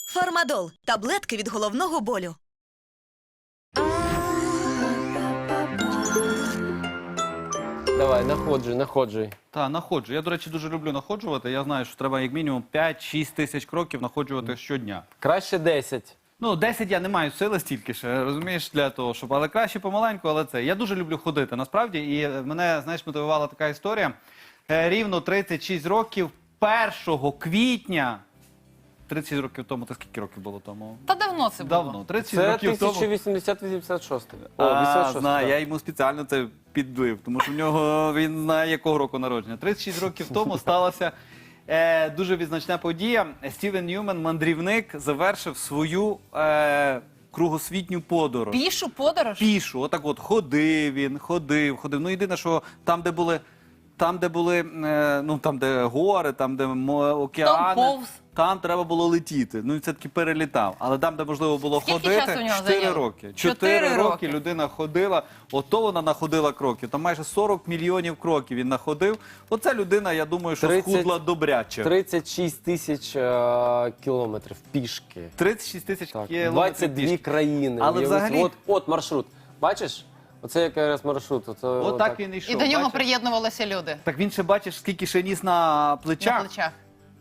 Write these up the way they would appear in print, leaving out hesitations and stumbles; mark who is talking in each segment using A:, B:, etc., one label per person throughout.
A: Фармадол – таблетки від головного болю.
B: Давай, находжуй.
C: Так, находжу. Я, до речі, дуже люблю находжувати. Я знаю, що треба як мінімум 5-6 тисяч кроків находжувати щодня.
B: Краще 10.
C: Ну, 10 я не маю сили стільки ще, розумієш, для того, щоб... Але краще помаленьку, але це. Я дуже люблю ходити, насправді. І мене, знаєш, мотивувала така історія. Рівно 36 років, 1 квітня... 36 років тому, то скільки років було тому?
D: Та давно це було.
C: Давно, 36
B: Це
C: років тому.
B: 1086. О, 86.
C: Знаю, я йому спеціально це підлив, тому що в нього він знає, якого року народження. 36 років тому сталася дуже відзначна подія. Стівен Ньюмен, мандрівник, завершив свою кругосвітню подорож.
D: Пішу подорож?
C: Пішу, отак от ходив він, ходив. Ну, єдине, що там, де були, ну, там, де гори, там, де океани,
D: Там повз.
C: там треба було летіти. Ну, і це таки перелітав. Але там, де можливо було
D: Скільки
C: ходити,
D: часу у нього
C: 4
D: зайняло?
C: роки.
D: 4
C: 4 роки
D: роки
C: людина ходила, ото вона находила кроків. Там майже 40 мільйонів кроків він находив. Оця людина, я думаю, що
B: 30
C: схудла добряче.
B: 36 тисяч кілометрів пішки.
C: 36 тисяч
B: Так,
C: кілометрів
B: 22
C: пішки.
B: країни.
C: Але
B: Уяви
C: взагалі-
B: собі. От маршрут. Бачиш? Оце якраз маршрут.
C: Отак він йшов.
D: І до нього
C: бачиш?
D: приєднувалися люди
C: Так він ще бачиш, скільки ще ніс на плечах.
D: на плечах.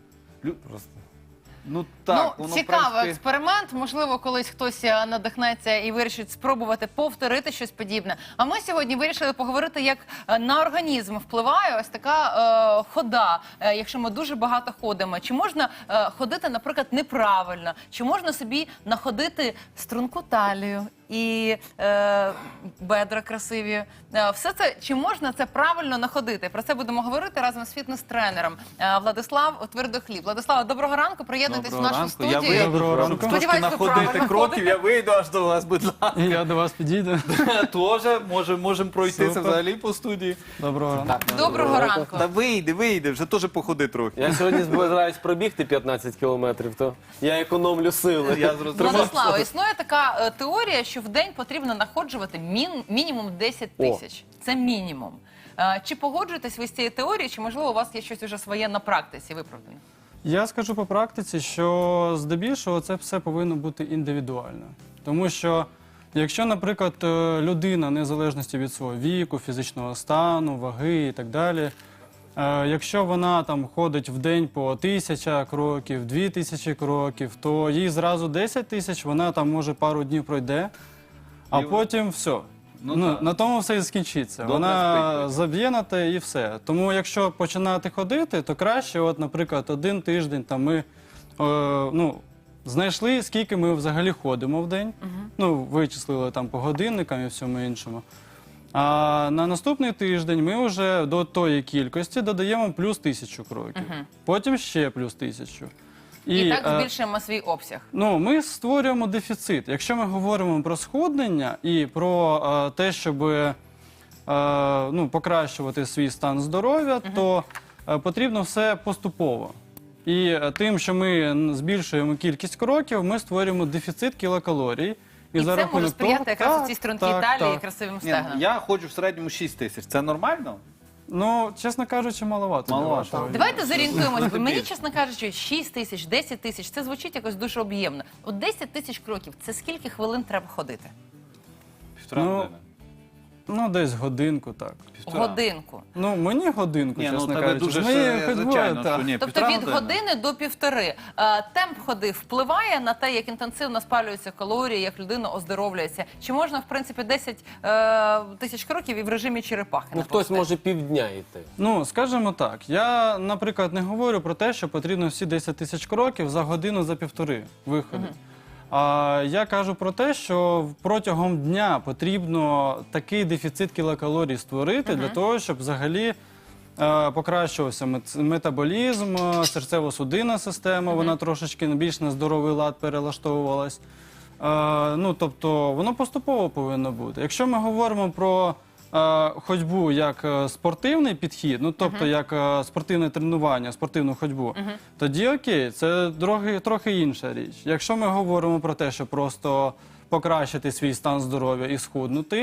C: Ну так,
D: Ну,
C: воно,
D: цікавий
C: в принципі...
D: експеримент. Можливо, колись хтось надихнеться і вирішить спробувати повторити щось подібне. А ми сьогодні вирішили поговорити, як на організм впливає ось така хода, якщо ми дуже багато ходимо. Чи можна ходити, наприклад, неправильно? Чи можна собі находити струнку талію і бедра красиві? Все це, чи можна це правильно находити? Про це будемо говорити разом з фітнес-тренером Владислав Твердохліб. Владислав, доброго ранку, приєднуйтесь в нашу студію.
C: Я вийду,
E: Доброго
C: щоб
E: ранку.
C: трошки
D: Сподіваюсь, ви
C: находити
D: правильно
C: кроків,
D: ходите.
C: я вийду аж до вас, будь ласка.
E: І я до вас підійду.
C: Тоже можемо пройтися
E: Супер.
C: взагалі по студії.
E: Доброго ранку.
D: Доброго ранку.
C: Та вийди, вже теж походи трохи.
B: Я сьогодні збираюсь пробігти 15 кілометрів, то я економлю сили.
C: Я зрозумів.
D: Владислава, існує така теорія, що в день потрібно находжувати мінімум 10 тисяч. Це мінімум. Чи погоджуєтесь ви з цією теорією, чи, можливо, у вас є щось уже своє на практиці виправдане?
E: Я скажу по практиці, що здебільшого це все повинно бути індивідуально. Тому що, якщо, наприклад, людина, незалежності від свого віку, фізичного стану, ваги і так далі, якщо вона там ходить в день по 1000 кроків, 2000 кроків, то їй зразу 10 тисяч, вона там може пару днів пройде, а потім все.
C: Ну, так.
E: На тому все і скінчиться.
C: Добре
E: Вона
C: спить.
E: заб'є на те і все. Тому якщо починати ходити, то краще, от, наприклад, 1 тиждень там ми знайшли, скільки ми взагалі ходимо в день. Ну, вичислили там по годинникам і всьому іншому. А на наступний тиждень ми вже до тої кількості додаємо плюс 1000 кроків. Потім ще плюс 1000.
D: І так збільшуємо свій обсяг.
E: Ну, ми створюємо дефіцит. Якщо ми говоримо про схуднення і про те, щоб покращувати свій стан здоров'я, то потрібно все поступово. І тим, що ми збільшуємо кількість кроків, ми створюємо дефіцит кілокалорій.
D: І це може сприяти якраз цій стрункій талії і красивим
C: Ні,
D: стегнам.
C: я ходжу в середньому 6 тисяч. Це нормально?
E: Ну, чесно кажучи, маловато.
C: Маловато.
E: для вашого
D: Давайте зорієнтуємося, бо мені,
C: Більше.
D: чесно кажучи, 6 тисяч, 10 тисяч, це звучить якось дуже об'ємно. От 10 тисяч кроків, це скільки хвилин треба ходити?
C: Півтора
E: Ну,
C: години.
E: Ну, десь годинку, так.
C: Півтора.
D: Годинку.
E: Ну, мені годинку,
C: Ні, ну
E: чесно
C: тебе
E: кажучи.
C: дуже
E: З моєю
C: ще,
E: ходьбою,
C: звичайно,
E: так.
C: що ні,
D: Тобто
C: півтора
D: від
C: години.
D: години до півтори. Темп ходи впливає на те, як інтенсивно спалюються калорії, як людина оздоровлюється? Чи можна, в принципі, 10 тисяч кроків і в режимі черепахи?
B: Ну, хтось може півдня йти.
E: Ну, скажімо так, я, наприклад, не говорю про те, що потрібно всі 10 тисяч кроків за годину, за півтори виходить. А я кажу про те, що протягом дня потрібно такий дефіцит кілокалорій створити для того, щоб взагалі покращувався метаболізм, серцево-судинна система, вона трошечки більш на здоровий лад перелаштовувалась. Ну, тобто, воно поступово повинно бути. Якщо ми говоримо про ходьбу як спортивний підхід, ну тобто як спортивне тренування, спортивну ходьбу, тоді окей, це трохи інша річ. Якщо ми говоримо про те, що просто покращити свій стан здоров'я і схуднути,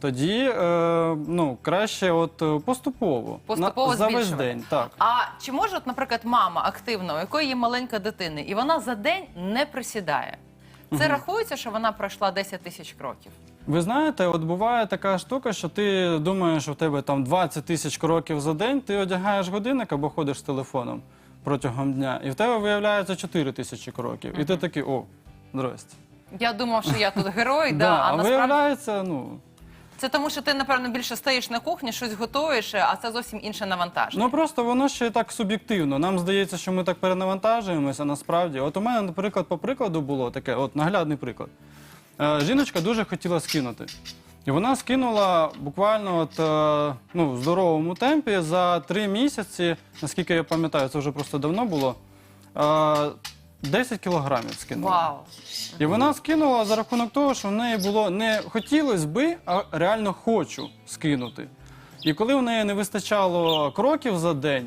E: тоді краще поступово.
D: Поступово
E: За весь
D: збільшувати.
E: день. Так.
D: А чи може, наприклад, мама активна, у якої є маленька дитина, і вона за день не присідає? Це рахується, що вона пройшла 10 тисяч кроків?
E: Ви знаєте, от буває така штука, що ти думаєш, що в тебе там 20 тисяч кроків за день, ти одягаєш годинник або ходиш з телефоном протягом дня, і в тебе виявляється 4 тисячі кроків. І ти такий, здрасте.
D: Я думав, що я тут герой,
E: Да,
D: а
E: а
D: насправді
E: виявляється,
D: це тому, що ти, напевно, більше стоїш на кухні, щось готуєш, а це зовсім інше навантаження.
E: просто воно ще так суб'єктивно. Нам здається, що ми так перенавантажуємося, насправді. От у мене, наприклад, по прикладу було таке, наглядний приклад. Жіночка дуже хотіла скинути. І вона скинула буквально в здоровому темпі за 3 місяці, наскільки я пам'ятаю, це вже просто давно було, 10 кілограмів скинула.
D: Вау!
E: І вона скинула за рахунок того, що в неї було не хотілося би, а реально хочу скинути. І коли в неї не вистачало кроків за день,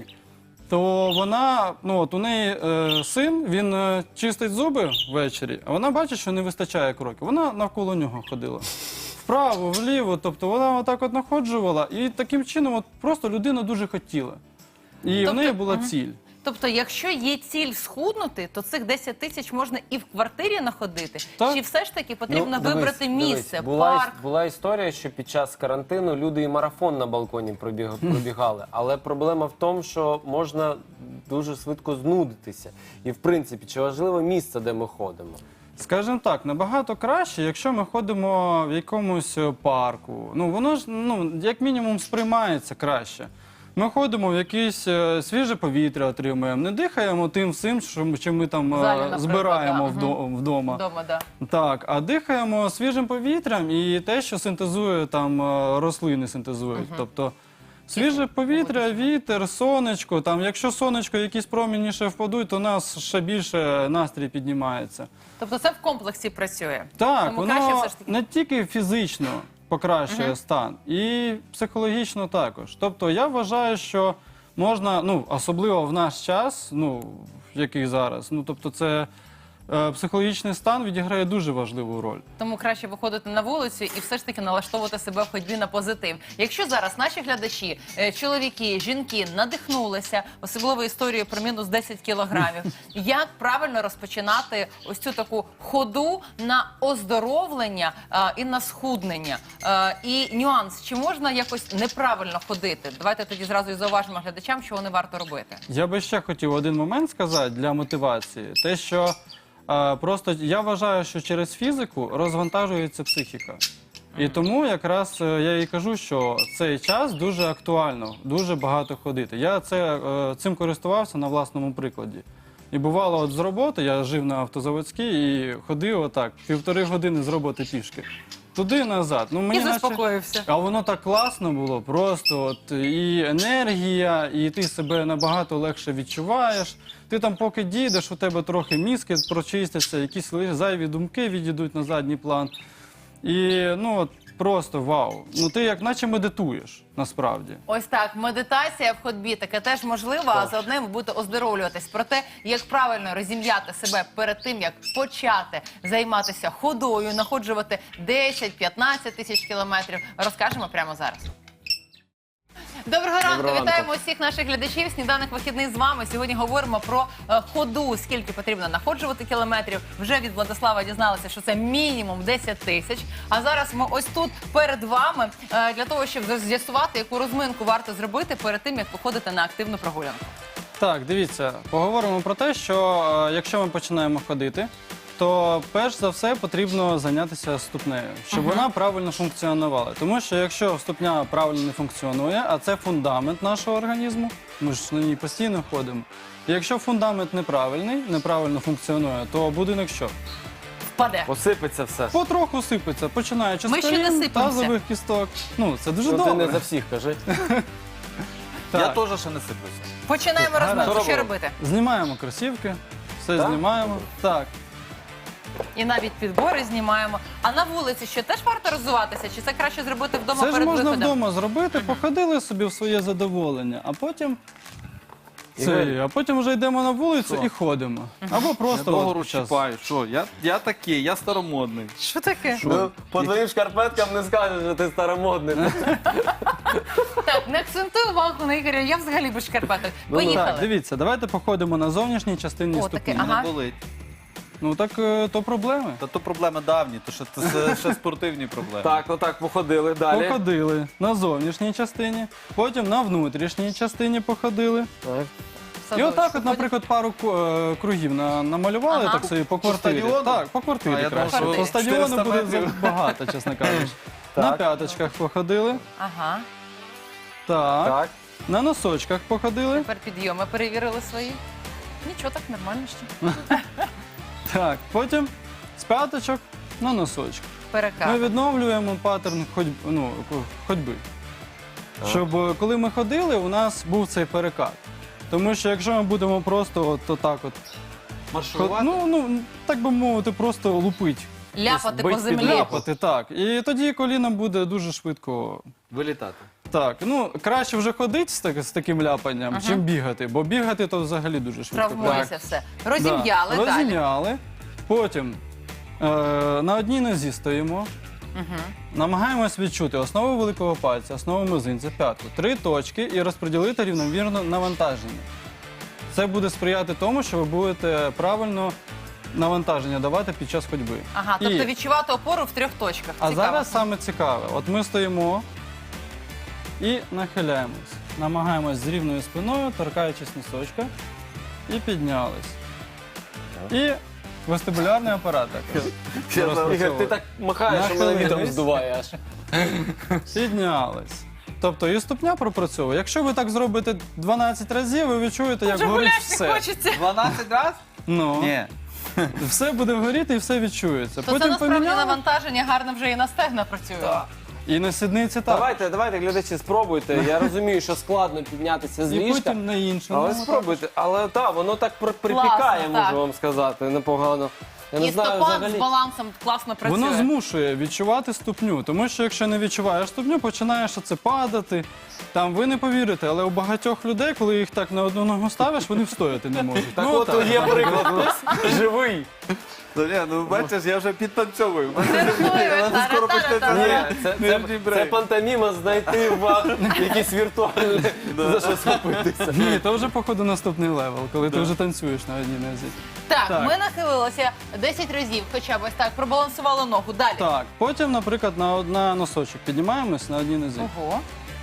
E: то вона, у неї син, він чистить зуби ввечері, а вона бачить, що не вистачає кроків. Вона навколо нього ходила. Вправо, вліво, тобто вона отак находжувала. І таким чином просто людина дуже хотіла. І в неї була ціль.
D: Тобто, якщо є ціль схуднути, то цих 10 тисяч можна і в квартирі находити?
E: Так.
D: Чи все ж таки потрібно
B: Дивись,
D: вибрати місце,
B: Була,
D: парк?
B: була історія, що під час карантину люди і марафон на балконі пробігали. Але проблема в тому, що можна дуже швидко знудитися. І, в принципі, чи важливо місце, де ми ходимо?
E: Скажімо так, набагато краще, якщо ми ходимо в якомусь парку. Воно ж, як мінімум, сприймається краще. Ми ходимо в якесь свіже повітря отримуємо, не дихаємо тим всім, що ми там
D: В залі, наприклад,
E: збираємо
D: да.
E: вдома.
D: Вдома, да.
E: Так, а дихаємо свіжим повітрям і те, що синтезує там рослини синтезують. Тобто свіже повітря, вітер, сонечко. Там, якщо сонечко якісь промені ще впадуть, то у нас ще більше настрій піднімається.
D: Тобто це в комплексі працює?
E: Так,
D: Тому краще
E: воно
D: все ж таки.
E: не тільки фізично покращує стан, і психологічно також. Тобто я вважаю, що можна, особливо в наш час, який зараз, тобто це психологічний стан відіграє дуже важливу роль.
D: Тому краще виходити на вулицю і все ж таки налаштовувати себе в ходьбі на позитив. Якщо зараз наші глядачі, чоловіки, жінки надихнулися, особливо історією про мінус 10 кілограмів, як правильно розпочинати ось цю таку ходу на оздоровлення і на схуднення? І нюанс, чи можна якось неправильно ходити? Давайте тоді зразу і зауважимо глядачам, що вони варто робити.
E: Я би ще хотів один момент сказати для мотивації. Те, що просто я вважаю, що через фізику розвантажується психіка. І тому якраз я і кажу, що цей час дуже актуально, дуже багато ходити. Я цим користувався на власному прикладі. І бувало, з роботи, я жив на Автозаводській і ходив отак, 1,5 години з роботи пішки. Туди-назад.
D: І заспокоївся.
E: А воно так класно було, просто і енергія, і ти себе набагато легше відчуваєш. Ти там поки дійдеш, у тебе трохи мізки прочистяться, якісь зайві думки відійдуть на задній план. І просто вау. Ти як наче медитуєш, насправді.
D: Ось так, медитація в ходьбі, таке теж можливо, а заодно ви будете оздоровлюватись. Про те, як правильно розім'яти себе перед тим, як почати займатися ходою, находжувати 10-15 тисяч кілометрів, розкажемо прямо зараз. Доброго ранку, вітаємо усіх наших глядачів. Сніданок вихідний з вами. Сьогодні говоримо про ходу, скільки потрібно находжувати кілометрів. Вже від Владислава дізналися, що це мінімум 10 тисяч. А зараз ми ось тут перед вами для того, щоб з'ясувати, яку розминку варто зробити перед тим, як виходити на активну прогулянку.
E: Так, дивіться, поговоримо про те, що якщо ми починаємо ходити, то перш за все потрібно зайнятися ступнею, щоб вона правильно функціонувала. Тому що якщо ступня правильно не функціонує, а це фундамент нашого організму, ми ж на ній постійно ходимо. І якщо фундамент неправильний, неправильно функціонує, то будинок що?
D: Впаде.
B: Посипеться все.
E: Потроху сипеться, починаючи
D: Ми
E: з
D: ще не
E: колін,
D: сипемося.
E: тазових кісток. Це дуже
B: Ти
E: добре.
B: не за всіх кажи.
E: Так.
C: Я теж ще не сиплюся.
D: Починаємо розминку.
B: Що
D: Що
B: робимо?
D: робити?
E: Знімаємо кросівки, все
B: Так?
E: знімаємо. Так.
D: І навіть підбори знімаємо. А на вулиці що, теж варто розвиватися? Чи це краще зробити вдома
E: Це ж
D: перед
E: можна
D: виходом?
E: вдома зробити, походили собі в своє задоволення, а потім А потім вже йдемо на вулицю і ходимо. Або
C: Я
E: просто
C: довго
E: от під час-
C: розчіпаю. Що? Я такий, я старомодний.
D: Що таке?
B: Ну, по твоїм шкарпеткам не скажеш, що ти старомодний.
D: Так, не акцентуй увагу на Ігоря, я взагалі без шкарпеток.
E: Так,
D: Поїхали.
E: дивіться, давайте походимо на зовнішній частині
D: О,
E: ступні.
D: таке, ага.
C: Не болить.
E: Ну так то проблеми.
C: Та то проблеми давні, то що це ще спортивні проблеми.
B: Так, отак, походили далі.
E: Походили на зовнішній частині, потім на внутрішній частині походили.
B: Так.
E: І
D: Садочок.
E: отак, от, наприклад, пару кругів намалювали
D: Ага.
E: так собі по квартирі.
C: стадіону?
E: Так, по
C: А,
E: квартирі
C: я думав,
E: краще.
D: що
E: По стадіону
C: 400
E: буде
C: метрів.
E: багато, чесно кажучи.
B: Так.
E: На п'яточках походили,
D: Ага.
E: так.
B: Так.
E: На носочках походили.
D: Тепер підйоми перевірили свої. Нічого, так нормально ще.
E: Так, потім з п'яточок на носочки. Ми
D: Перекат.
E: відновлюємо паттерн ходьби. Щоб коли ми ходили, у нас був цей перекат. Тому що якщо ми будемо просто отак от,
C: Маршрувати?
E: так би мовити, просто лупить.
D: Ляпати по
B: бить
D: землі.
B: під ляпу.
E: Ляпати, так. І тоді коліно буде дуже швидко.
C: Вилітати.
E: Так, краще вже ходити з таким ляпанням, чим бігати, бо бігати то взагалі дуже швидко.
D: Травмується все. Розім'яли
E: Да.
D: далі.
E: Розім'яли. Потім на одній нозі стоїмо. Намагаємось відчути основу великого пальця, основу мизинця, п'ятку, 3 точки і розподілити рівномірно навантаження. Це буде сприяти тому, що ви будете правильно навантаження давати під час ходьби.
D: Ага, тобто
E: І-
D: відчувати опору в 3 точках.
E: А
D: Цікаво.
E: зараз саме цікаве. От ми стоїмо і нахиляємось. Намагаємось з рівною спиною, торкаючись носочка, і піднялись. І вестибулярний апарат також.
B: Ігор, ти так махаєш, що мене
E: Нахилились.
B: вітром здуває аж.
E: Піднялись. Тобто і ступня пропрацьовує. Якщо ви так зробите 12 разів, ви відчуєте, як
D: Вже
E: горить
D: гуляти
E: все.
D: хочеться.
C: 12 разів?
E: Ну,
C: Ні.
E: все буде горіти і все відчується.
D: То це насправді навантаження гарно вже і на стегна працює.
E: і на сідниці так.
B: Давайте, глядачі, спробуйте. Я розумію, що складно піднятися з
E: І
B: ліжка.
E: потім на іншому.
B: Але спробуйте. Але так, воно так припікає,
D: Класно, так.
B: можу вам сказати, непогано. Я не
D: І
B: знаю
D: стопа з
B: взагалі.
D: балансом класно працює.
E: Воно змушує відчувати ступню, тому що якщо не відчуваєш ступню, починаєш оце падати. Там ви не повірите, але у багатьох людей, коли їх так на одну ногу ставиш, вони встояти не можуть.
B: Так
E: Ну,
B: от
E: так.
B: є приклад, живий.
C: Бачиш, я вже підтанцьовую.
D: Скоро почнеться.
B: Ні, це пантоміма знайти вам якийсь віртуальний за що схопитися.
E: Ні, то вже, походу, наступний левел, коли ти вже танцюєш на одній нозі.
D: Так,
E: Так.
D: ми нахилилися 10 разів, хоча б ось так, пробалансували ногу. Далі.
E: Так, потім, наприклад, на носочок піднімаємось на одній нозі.
D: Ого.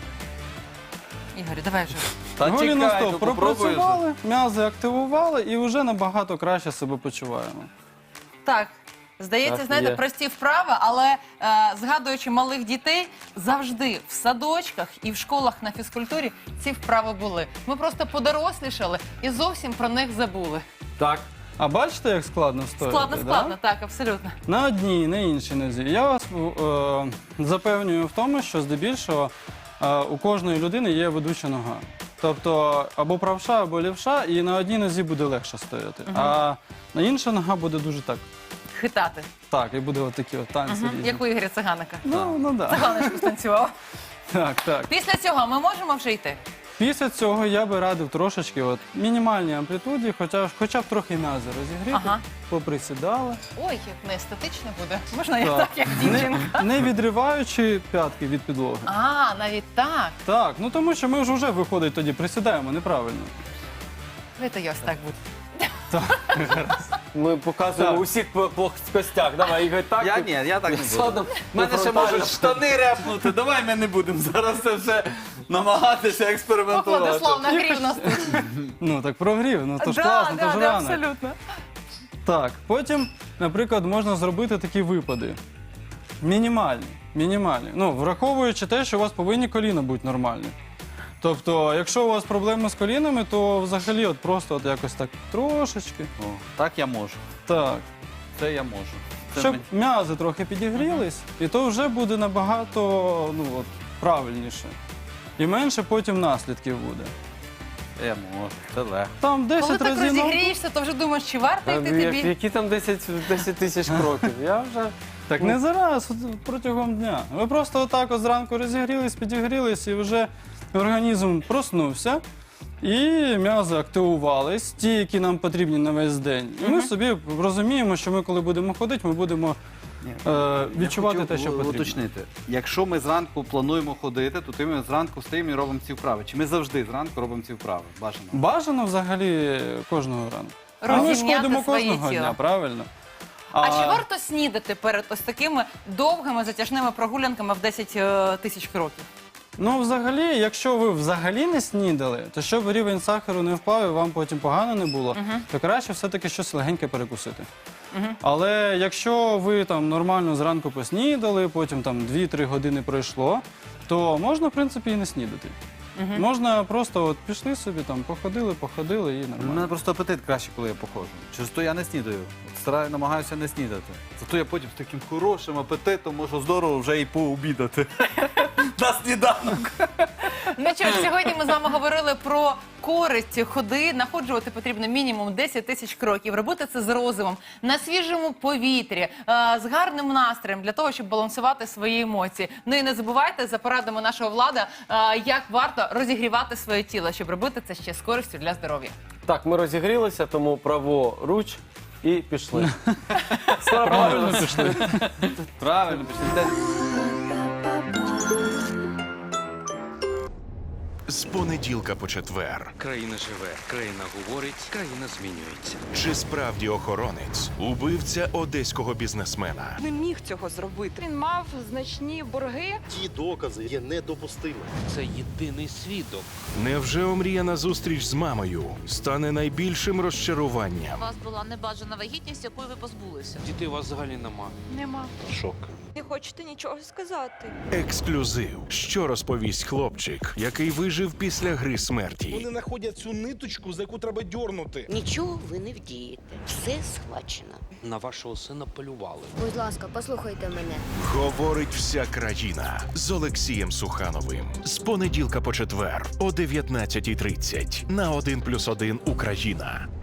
D: Ігор, давай вже.
C: Та
E: Голі
C: чекай,
E: на стоп
C: ну попробуй вже.
E: пропрацювали, м'язи активували і вже набагато краще себе почуваємо.
D: Так. Здається,
B: Так,
D: знаєте,
B: є.
D: прості вправи, але згадуючи малих дітей, завжди в садочках і в школах на фізкультурі ці вправи були. Ми просто подорослішали і зовсім про них забули.
B: Так.
E: А бачите, як складно встояти?
D: Складно, так, абсолютно.
E: На одній, на іншій нозі. Я вас запевнюю в тому, що здебільшого у кожної людини є ведуча нога. Тобто або правша, або лівша, і на одній нозі буде легше стояти. А на інша нога буде дуже так.
D: Хитати.
E: Так, і буде отакі от танці різні.
D: Як у Ігоря Циганика.
E: Ну да.
D: Циганочку станцював.
E: Так.
D: Після цього ми можемо вже йти?
E: Після цього я би радив трошечки мінімальній амплітуді, хоча б трохи м'язи розігріти,
D: Ага.
E: поприсідали.
D: Ой, як не естетично буде. Можна я так, як дівчинка?
E: Не відриваючи п'ятки від підлоги.
D: А, навіть так.
E: Так, тому що ми ж вже виходить тоді, присідаємо неправильно.
D: Давайте я ось так буду.
B: Ми показуємо усіх плоскостях. Давай, Ігор, так.
C: Я ні, я так не буду.
B: Ладно,
C: У мене ще можуть штани репнути. Давай ми не будемо зараз це все намагатися експериментувати.
D: Владислав нагрів нас тут.
E: Ну так прогрів, то ж
D: Да,
E: класно, то ж
D: да,
E: рано.
D: абсолютно.
E: Так, потім, наприклад, можна зробити такі випади. Мінімальні. Враховуючи те, що у вас повинні коліна бути нормальні. Тобто, якщо у вас проблеми з колінами, то взагалі просто якось так трошечки.
C: О, так я можу.
E: Так.
C: Це я можу. Це
E: Щоб
C: мені-
E: м'язи трохи підігрілись, і то вже буде набагато правильніше. І менше потім наслідків буде.
C: Я можу. Це легко.
E: Там 10
D: Коли так
E: разів.
D: розігрієшся, то вже думаєш, чи варто йти тобі?
B: Які там 10 тисяч кроків? Я вже...
E: Так не зараз, протягом дня. Ви просто отак зранку розігрілись, підігрілись, і вже організм проснувся. І м'язи активувались, ті, які нам потрібні на весь день. І ми собі розуміємо, що ми, коли будемо ходити, ми будемо відчувати
C: Я
E: те, що
C: хотів
E: потрібно.
C: уточнити. Якщо ми зранку плануємо ходити, то ми зранку встаємо і робимо ці вправи. Чи ми завжди зранку робимо ці вправи? Бажано.
E: Бажано взагалі кожного ранку. А ми ж
D: Розім'яти
E: ходимо
D: своє
E: кожного
D: тіло.
E: дня, правильно?
D: А чи варто снідати перед ось такими довгими затяжними прогулянками в 10 тисяч кроків?
E: Ну, взагалі, якщо ви взагалі не снідали, то щоб рівень сахару не впав і вам потім погано не було, то краще все-таки щось легеньке перекусити. Але якщо ви там нормально зранку поснідали, потім там 2-3 години пройшло, то можна, в принципі, і не снідати. Можна просто от пішли собі, там, походили і
C: У
E: нормально.
C: мене просто апетит краще, коли я походжу. Через то я не снідаю. Намагаюся не снідати. Зато я потім з таким хорошим апетитом можу здорово вже і пообідати. На сніданок.
D: Ну що ж, сьогодні ми з вами говорили про користь ходи. Находжувати потрібно мінімум 10 тисяч кроків. Робити це з розумом, на свіжому повітрі, з гарним настроєм, для того, щоб балансувати свої емоції. Ну і не забувайте за порадами нашого Влада, як варто розігрівати своє тіло, щоб робити це ще з користю для здоров'я.
B: Так, ми розігрілися, тому праворуч і пішли.
E: Правильно пішли.
C: Правильно, пішли.
F: З понеділка по четвер.
G: Країна живе, країна говорить, країна змінюється.
F: Чи справді охоронець убивця одеського бізнесмена?
H: Не міг цього зробити. Він мав значні борги.
I: Ті докази є недопустимими.
G: Це єдиний свідок.
F: Невже омріяна зустріч з мамою стане найбільшим
J: У
F: розчаруванням?
J: вас була небажана вагітність, якої ви позбулися.
G: Дітей у вас взагалі нема.
H: Нема.
I: Шок.
H: Не хочете нічого сказати.
F: Ексклюзив. Що розповість хлопчик, який вижив після гри смерті?
I: Вони знаходять цю ниточку, за яку треба дьорнути.
J: Нічого ви не вдієте. Все схвачено.
G: На вашого сина полювали.
K: Будь ласка, послухайте мене.
F: Говорить вся країна з Олексієм Сухановим. З понеділка по четвер о 19:30 на 1+1 Україна.